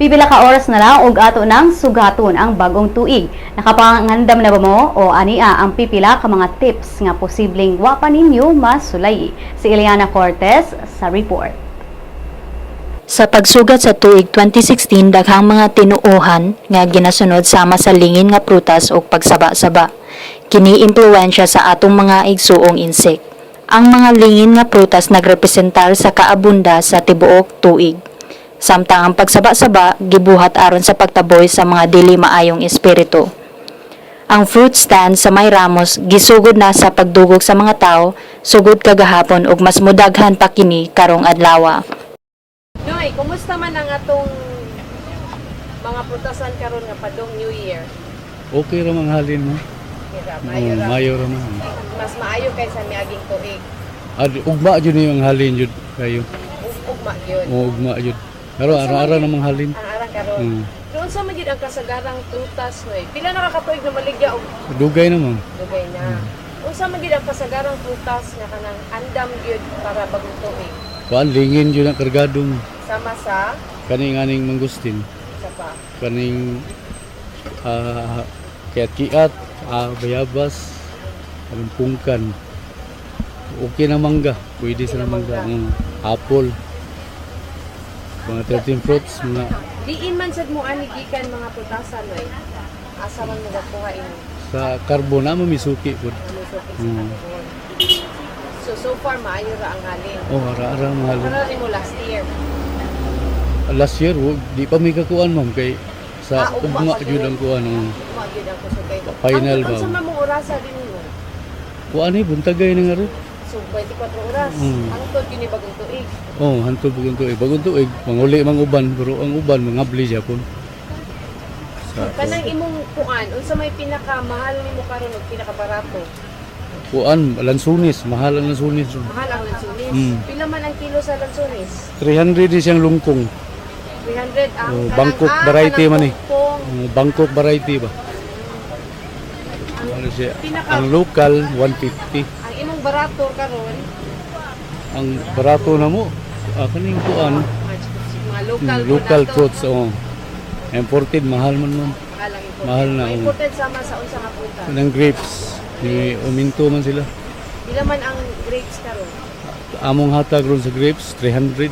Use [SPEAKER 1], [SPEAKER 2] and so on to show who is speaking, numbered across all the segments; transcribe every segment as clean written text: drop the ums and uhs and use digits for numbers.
[SPEAKER 1] Pipila ka oras na lang og ato nang sugaton ang bagong tuig. Nakapangandam na ba mo o ania ang pipila ka mga tips nga posibleng wa pa ninyo masulay? Si Eliana Cortez sa report.
[SPEAKER 2] Sa pagsugat sa tuig 2016, daghang mga tinuohan nga ginasunod sama sa lingin nga prutas o pagsaba-saba. Kini-impluwensya sa atong mga igsuong insek. Ang mga lingin nga prutas nagrepresentar sa kaabunda sa tibuok tuig. Samtang ang pagsaba-saba gibuhat aron sa pagtaboy sa mga dili maayong espiritu. Ang fruit stand sa May Ramos gisugod na sa pagdugog sa mga tao sugod kagahapon ug mas mudaghan pa kini karong adlaw.
[SPEAKER 3] Noy, kumusta man ang atong mga prutasan karon nga padong New Year?
[SPEAKER 4] Okay ra mang halin mo. Mayo ra man.
[SPEAKER 3] Mas maayo kaysa miaging tuig.
[SPEAKER 4] Ugma jud ni ang halin jud kayo.
[SPEAKER 3] Ugma gyud.
[SPEAKER 4] Ugma jud. Pero ara-ara namang halin.
[SPEAKER 3] Ang arang karon. Doon sa magid ang kasagarang prutas noy. Pila nakakatuig na maligya og
[SPEAKER 4] Dugay naman.
[SPEAKER 3] dugay na. Unsa magid ang kasagarang prutas nga kanang andam gyud para bagong tuig?
[SPEAKER 4] Kuan lingin jud ang kargado mo.
[SPEAKER 3] Sama sa
[SPEAKER 4] Kaning aning mangustin.
[SPEAKER 3] isa pa.
[SPEAKER 4] Kaning kiat-kiat, bayabas, anong pungkan. Okay na mangga. Pwede sa mangga. Apple. Mga 13 fruits, mga
[SPEAKER 3] Diin man sad mo ani gikan mga prutasan noy. Asa man magakuha ini?
[SPEAKER 4] sa karbo na mamisuki po.
[SPEAKER 3] So far maayo ra ang halin.
[SPEAKER 4] Ara-ara mga halin.
[SPEAKER 3] Ano rin mo last year?
[SPEAKER 4] Last year, di pa may kakuan ma'am kay sa ugma jud ang kuan ng
[SPEAKER 3] Magyud ang kusugay.
[SPEAKER 4] final ba.
[SPEAKER 3] Ang sa mamong orasa din mo.
[SPEAKER 4] Kuan ay buntagay na nga ro.
[SPEAKER 3] So 24 oras. Ang tod gini bagong tuig.
[SPEAKER 4] Hantod bagong tuig. Bagong tuig, manguli mang uban pero ang uban mangabli Japon.
[SPEAKER 3] Kanang imong kuan, unsa may pinakamahal nimo karon ug pinakabarato?
[SPEAKER 4] Kuan lansunis, mahal ang lansunis.
[SPEAKER 3] Mahal ang lansunis. Pila man ang kilo sa lansunis?
[SPEAKER 4] 300 din siyang lungkong.
[SPEAKER 3] 300 ang
[SPEAKER 4] Bangkok variety man eh.
[SPEAKER 3] Kung
[SPEAKER 4] Bangkok variety ba? Ano siya? Ang local 150.
[SPEAKER 3] ang imong barato karon,
[SPEAKER 4] Ang barato na mo kaning kuan
[SPEAKER 3] mga
[SPEAKER 4] local fruits imported mahal man man. Mahal na,
[SPEAKER 3] Mga imported sama sa unsa nga prutas.
[SPEAKER 4] Ng grapes ni uminto man sila.
[SPEAKER 3] Pila man ang grapes karon?
[SPEAKER 4] Among hatag ron sa grapes 300.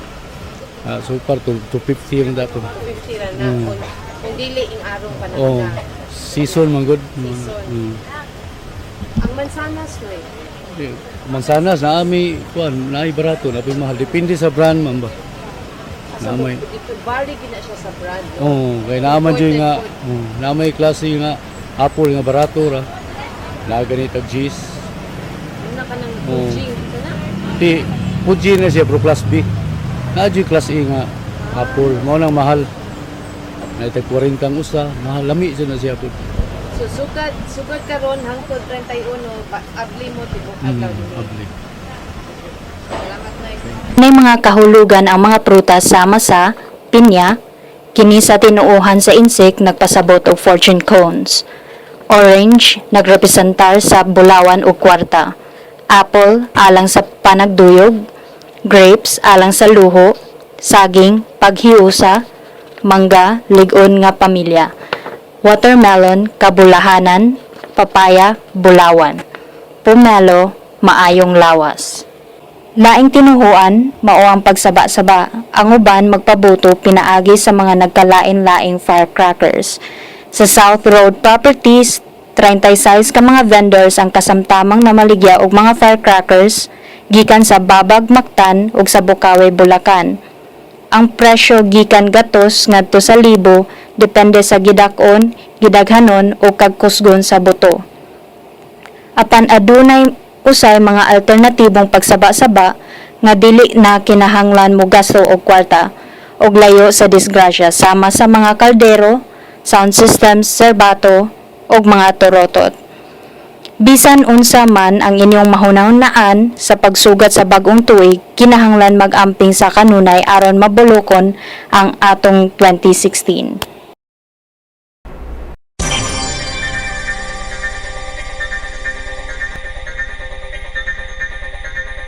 [SPEAKER 4] So far to 250 rin dato.
[SPEAKER 3] 250 ra na kung dili ing arong pa na.
[SPEAKER 4] Season man good.
[SPEAKER 3] Season. Ang mansanas noy.
[SPEAKER 4] Mansanas na ami kuan naay barato na mahal depende sa brand man ba.
[SPEAKER 3] Asa mo dito bali gina siya sa brand.
[SPEAKER 4] Kay naaman jud nga naamay klase nga apple nga barato ra. Na ganit og cheese.
[SPEAKER 3] Una ka nang Fuji kana?
[SPEAKER 4] Di Fuji na siya pro class B. Na jud class A nga apple mao nang mahal. Na itag 40 ang usa, mahal lami jud na siya po.
[SPEAKER 3] So sugad karon hangtod 31 abli mo tibok adlaw dinhi. Salamat na.
[SPEAKER 2] May mga kahulugan ang mga prutas sama sa pinya, kini sa tinuohan sa insek nagpasabot og fortune cones. Orange, nagrepresentar sa bulawan o kwarta. Apple, alang sa panagduyog. Grapes, alang sa luho. Saging, paghiusa. Mangga, ligon nga pamilya. Watermelon, kabulahanan. Papaya, bulawan. Pomelo, maayong lawas. Laing tinuhuan, mao ang pagsaba-saba. Ang uban magpabuto pinaagi sa mga nagkalain-laing firecrackers. Sa South Road Properties, 36 ka mga vendors ang kasamtamang namaligya og mga firecrackers gikan sa Babag Mactan ug sa Bukawi, Bulacan. Ang presyo gikan gatos ngadto sa libo depende sa gidak-on, gidaghanon o kagkusgon sa buto. Apan adunay usay mga alternatibong pagsaba-saba nga dili na kinahanglan mo gasto og kwarta og layo sa disgrasya sama sa mga kaldero, sound systems, serbato ug mga torotot. Bisan unsa man ang inyong mahunahunaan sa pagsugat sa bagong tuig, kinahanglan mag-amping sa kanunay aron mabulokon ang atong 2016.